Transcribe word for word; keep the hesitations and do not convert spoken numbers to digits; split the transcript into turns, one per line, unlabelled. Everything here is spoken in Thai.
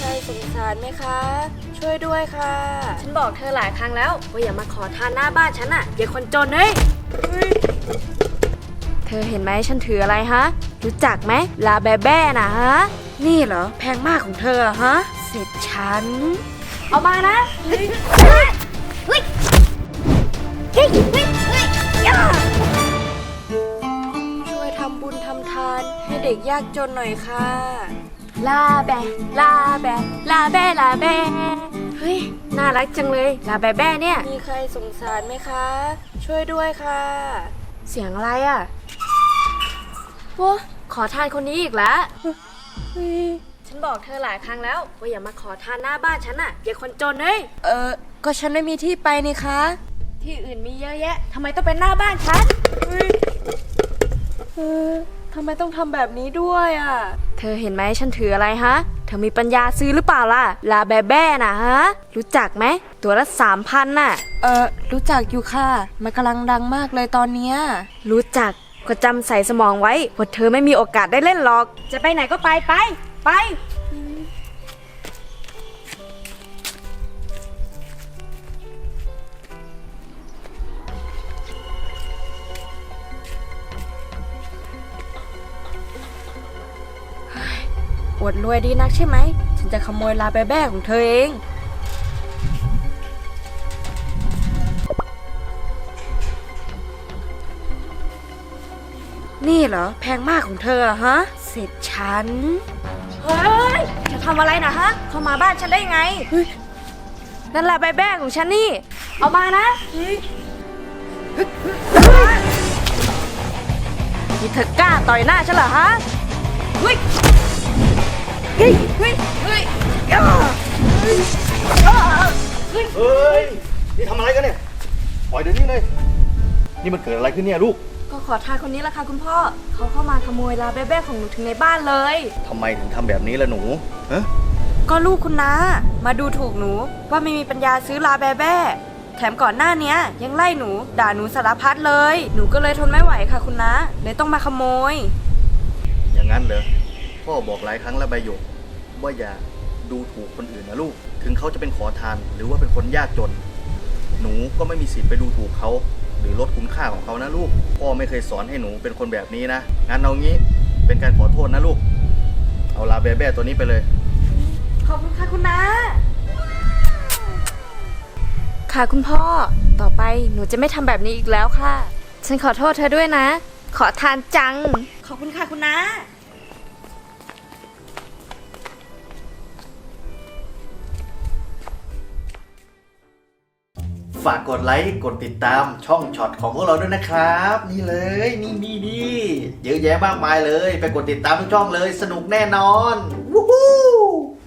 ใครสงสารไหมคะ ช่วยด้วยค่ะฉันบอกเธอหลายครั้งแล้วว่าอย่ามาขอทานหน้าบ้านฉันอะอย่าคนจนเฮ้ยเธอเห็นไหมฉันถืออะไรฮะรู้จักไหมลาแบแบ้น่ะฮะนี่เหรอแพงมากของเธอฮะเสร็จฉันเอามานะเฮ้ยเฮ้ยเฮ้ยเฮ้ยเฮ้ยย่าช่วยทำบุญทำทานให้เด็กยากจนหน่อยค่ะลาแบลาแบลาแบลาแบเฮ้ยน่ารักจังเลยลาแบแบ้เนี่ยมีใครสงสารไหมคะ ช่วยด้วยค่ะ เสียงอะไรอ่ะโว้ขอทานคนนี้อีกแล้วฉันบอกเธอหลายครั้งแล้วว่าอย่ามาขอทานหน้าบ้านฉันอ่ะอย่าคนจนเฮ้ยเออก็ฉันไม่มีที่ไปนี่คะที่อื่นมีเยอะแยะทำไมต้องเป็นหน้าบ้านฉันเออทำไมต้องทำแบบนี้ด้วยอ่ะเธอเห็นไหมฉันถืออะไรฮะเธอมีปัญญาซื้อหรือเปล่าล่ะลาแบแบ้น่ะฮะรู้จักไหมตัวละสามพันน่ะเออรู้จักอยู่ค่ะมันกำลังดังมากเลยตอนเนี้ยรู้จักก็จำใส่สมองไว้ว่าเธอไม่มีโอกาสได้เล่นหรอกจะไปไหนก็ไปไปไปอวดรวยดีนักใช่ไหมฉันจะขโมยลาแบแบ้ของเธอเองนี่เหรอแพงมากของเธอฮะเสร็จฉันเฮ้ยจะทำอะไรนะฮะเข้ามาบ้านฉันได้ไงนั่นแหละใบแบ้ของฉันนี่เอามานะนี่เธอกล้าต่อยหน้าฉันเหรอฮะเฮ้ยเฮ้ยเฮ้ยเฮ้ยเฮ้ย
เฮ้ยนี่ทำอะไรกันเนี่ยปล่อยเดี๋ยวนี้เลยนี่มันเกิดอะไรขึ้นเนี่ยลูก
ก็ขอทานคนนี้แหละค่ะคุณพ่อเขาเข้ามาขโมยลาแบ้ๆของหนูถึงในบ้านเลย
ทำไมถึงทำแบบนี้ล่ะหนูฮะ
ก็ลูกคุณน้ามาดูถูกหนูว่าไม่มีปัญญาซื้อลาแบ้ๆแถมก่อนหน้านี้ยังไล่หนูด่าหนูสารพัดเลยหนูก็เลยทนไม่ไหวค่ะคุณน้าเลยต้องมาขโมย
อย่างนั้นเหรอพ่อบอกหลายครั้งแล้วใบหยกว่าอย่าดูถูกคนอื่นนะลูกถึงเขาจะเป็นขอทานหรือว่าเป็นคนยากจนหนูก็ไม่มีสิทธิ์ไปดูถูกเขาหรือลดคุณค่าของเขานะลูกพ่อไม่เคยสอนให้หนูเป็นคนแบบนี้นะงั้นเอางี้เป็นการขอโทษนะลูกเอาลาแบแบ้ตัวนี้ไปเลย
ขอบคุณค่ะคุณน้าค่ะคุณพ่อต่อไปหนูจะไม่ทำแบบนี้อีกแล้วค่ะฉันขอโทษเธอด้วยนะขอทานจังขอบคุณค่ะคุณน้า
ฝากกดไลค์กดติดตามช่องช็อตของพวกเราด้วยนะครับนี่เลยนี่นี่นี่เยอะแยะมากมายเลยไปกดติดตามทุกช่องเลยสนุกแน่นอนวู้ฮู้